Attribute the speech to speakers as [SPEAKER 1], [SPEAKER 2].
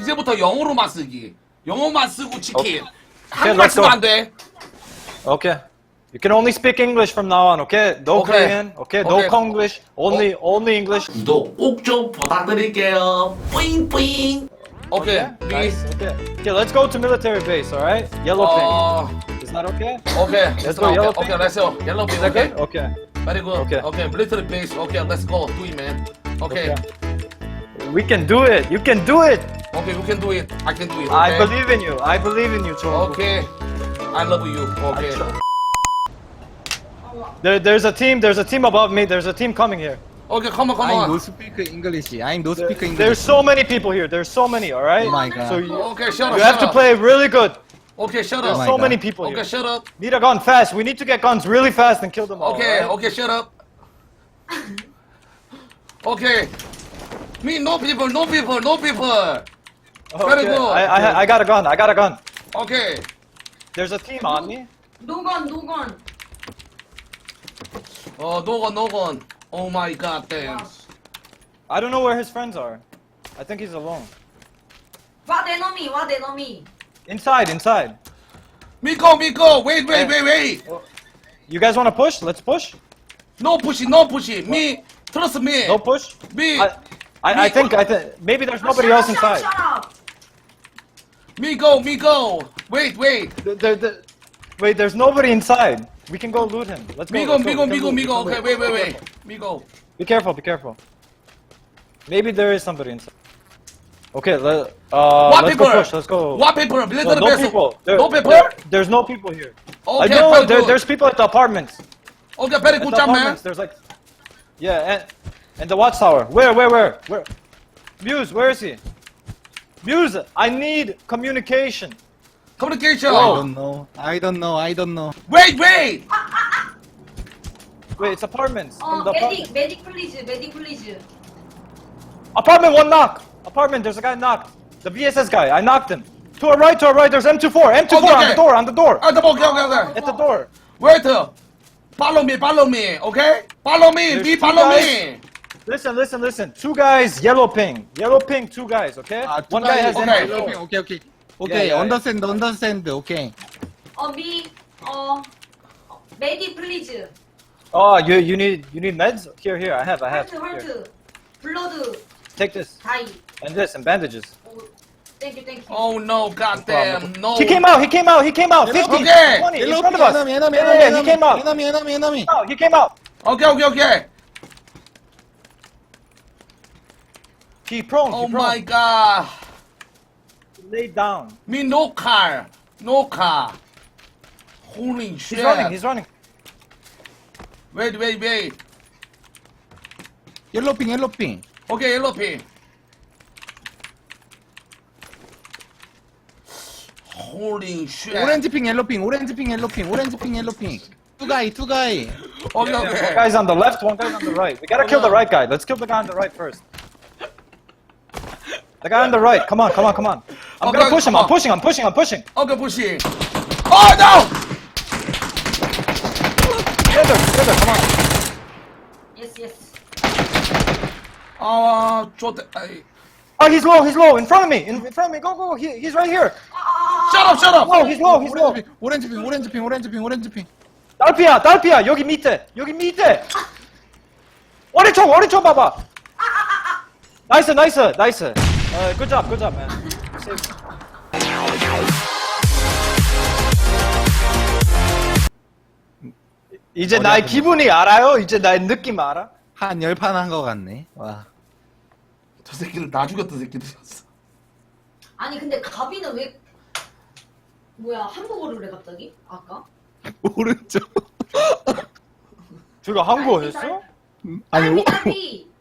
[SPEAKER 1] 이제부터 영어로만 쓰기. 영어만 쓰고 치킨.
[SPEAKER 2] Okay,
[SPEAKER 1] 한국말
[SPEAKER 2] let's
[SPEAKER 1] 쓰면
[SPEAKER 2] go.
[SPEAKER 1] 안 돼.
[SPEAKER 2] Okay. You can only speak English from now on, okay? No
[SPEAKER 1] Okay.
[SPEAKER 2] Korean, okay? No
[SPEAKER 1] Okay.
[SPEAKER 2] Konglish, only English.
[SPEAKER 1] 구독 꼭 좀 부탁드릴게요. 뿌잉뿌잉. 오케이.
[SPEAKER 2] Nice. Okay. Okay, let's go to military base, alright? Yellow ping. Is that okay?
[SPEAKER 1] 오케이.
[SPEAKER 2] Let's go, yellow
[SPEAKER 1] 오케이,
[SPEAKER 2] ping.
[SPEAKER 1] let's go. 옐로우 핑.
[SPEAKER 2] Is that
[SPEAKER 1] 오케이.
[SPEAKER 2] good? Okay.
[SPEAKER 1] Very good.
[SPEAKER 2] Okay.
[SPEAKER 1] 오케이. Military base. 오케이, let's go. Do it, man. 오케이.
[SPEAKER 2] We can do it. You can do it.
[SPEAKER 1] 오케이, you can do it. I can do it.
[SPEAKER 2] I
[SPEAKER 1] okay?
[SPEAKER 2] believe in you. I believe in you, Chong.
[SPEAKER 1] 오케이. I love you. 오케이.
[SPEAKER 2] There's a team above me. There's a team coming here.
[SPEAKER 1] 오케이, come on, come
[SPEAKER 3] I no
[SPEAKER 1] on.
[SPEAKER 3] speak English. I no speak
[SPEAKER 2] There's
[SPEAKER 3] English.
[SPEAKER 2] so many people here. There's so many, alright?
[SPEAKER 3] Oh my God.
[SPEAKER 2] So you
[SPEAKER 1] 오케이, shut up.
[SPEAKER 2] have to play really good.
[SPEAKER 1] 오케이, shut
[SPEAKER 2] There's
[SPEAKER 1] up.
[SPEAKER 3] my
[SPEAKER 2] so
[SPEAKER 3] God.
[SPEAKER 2] many people
[SPEAKER 1] 오케이,
[SPEAKER 2] here.
[SPEAKER 1] shut up.
[SPEAKER 2] Need a gun fast. We need to get guns really fast and kill them all.
[SPEAKER 1] 오케이,
[SPEAKER 2] alright?
[SPEAKER 1] 오케이, shut up. 오케이. Me, no people, no people, no people. Very
[SPEAKER 2] Okay.
[SPEAKER 1] good.
[SPEAKER 2] I got a gun. I got a gun.
[SPEAKER 1] 오케이.
[SPEAKER 2] There's a team on me.
[SPEAKER 4] 노건 노건
[SPEAKER 1] 노건. Oh my god, damn.
[SPEAKER 2] I don't know where his friends are. I think he's alone.
[SPEAKER 4] 와 내 놈이
[SPEAKER 2] Inside.
[SPEAKER 1] Miko, wait.
[SPEAKER 2] You guys want to push? Let's push.
[SPEAKER 1] No push. Me, trust me.
[SPEAKER 2] No push.
[SPEAKER 1] Me,
[SPEAKER 2] I think maybe there's nobody else inside.
[SPEAKER 1] me go. Wait.
[SPEAKER 2] Wait, there's nobody inside. We can go loot him. Let's go. let's go. We can loot.
[SPEAKER 1] Okay, wait. Miko.
[SPEAKER 2] Be careful. Maybe there is somebody inside. Okay,
[SPEAKER 1] What
[SPEAKER 2] let's
[SPEAKER 1] people?
[SPEAKER 2] go push. Let's go.
[SPEAKER 1] What people? Military
[SPEAKER 2] No
[SPEAKER 1] base.
[SPEAKER 2] people.
[SPEAKER 1] No people?
[SPEAKER 2] There's no people here. I
[SPEAKER 1] Okay,
[SPEAKER 2] know.
[SPEAKER 1] very good.
[SPEAKER 2] There's people at the apartments.
[SPEAKER 1] Okay, very
[SPEAKER 2] At
[SPEAKER 1] good
[SPEAKER 2] the
[SPEAKER 1] job, man.
[SPEAKER 2] apartments. There's like, yeah, and the watchtower. Where? Muse, where is he? Muse, I need communication.
[SPEAKER 1] Communication.
[SPEAKER 3] I don't know.
[SPEAKER 1] Wait.
[SPEAKER 2] Wait, it's apartments.
[SPEAKER 4] 어
[SPEAKER 2] From the
[SPEAKER 4] 메딕 플리즈
[SPEAKER 2] apartment, one knock. Apartment, there's a guy knocked. The VSS guy, I knocked him. To our right, there's M24. M24
[SPEAKER 1] Okay.
[SPEAKER 2] on the door.
[SPEAKER 1] Okay.
[SPEAKER 2] At the door.
[SPEAKER 1] Wait. Follow me. Okay. Follow me.
[SPEAKER 2] There's
[SPEAKER 1] Me
[SPEAKER 2] two
[SPEAKER 1] follow
[SPEAKER 2] guys.
[SPEAKER 1] me.
[SPEAKER 2] Listen. Two guys, yellow ping, two guys, okay? One guy has
[SPEAKER 1] okay.
[SPEAKER 2] M24.
[SPEAKER 3] Okay.
[SPEAKER 2] Yeah.
[SPEAKER 3] Understand. Okay.
[SPEAKER 4] 메딕 플리즈
[SPEAKER 2] Oh, you need meds? Here, I have. Here.
[SPEAKER 4] 헐트 블러드
[SPEAKER 2] Take this
[SPEAKER 4] 다이
[SPEAKER 2] and this and bandages.
[SPEAKER 4] 땡큐
[SPEAKER 1] Oh no, goddamn, no.
[SPEAKER 2] He came out. 50,
[SPEAKER 1] Okay.
[SPEAKER 2] 20 in front of us. Yeah, he came out.
[SPEAKER 3] Enemy.
[SPEAKER 2] He came out.
[SPEAKER 1] Okay.
[SPEAKER 2] He prone.
[SPEAKER 1] Oh my god.
[SPEAKER 2] Laid down.
[SPEAKER 1] Me no car. Holy shit.
[SPEAKER 2] He's running.
[SPEAKER 1] Wait.
[SPEAKER 3] Yellow ping.
[SPEAKER 1] Okay, yellow pin. Holy shit.
[SPEAKER 3] Orange ping, yellow ping. Two guy.
[SPEAKER 1] Okay.
[SPEAKER 2] One guy's on the left, one guy's on the right. We gotta kill the right guy. Let's kill the guy on the right first. The guy on the right. Come on. I'm
[SPEAKER 1] Okay,
[SPEAKER 2] gonna push him.
[SPEAKER 1] come
[SPEAKER 2] I'm pushing.
[SPEAKER 1] Okay, pushing. Oh no!
[SPEAKER 2] Together. Come on.
[SPEAKER 4] 예스
[SPEAKER 1] 좋대.
[SPEAKER 2] Oh, he's low. In front of me. Go. He's right here.
[SPEAKER 1] Shut up.
[SPEAKER 2] Oh, he's low.
[SPEAKER 3] Orange ping.
[SPEAKER 2] 딸피야. 여기 밑에. 오른쪽 봐봐. 나이스. Good job, man. 이제 나의 기분이 알아요? 이제 나의 느낌 알아?
[SPEAKER 3] 한 10판 한 거 같네. 와.
[SPEAKER 1] 저 새끼들 나 죽였던 새끼들이었어.
[SPEAKER 4] 아니 근데 가비는 왜 뭐야 한국어를 해 갑자기 아까
[SPEAKER 3] 오른쪽.
[SPEAKER 2] 둘가 한국어 했어?
[SPEAKER 3] 아니,
[SPEAKER 4] 딸피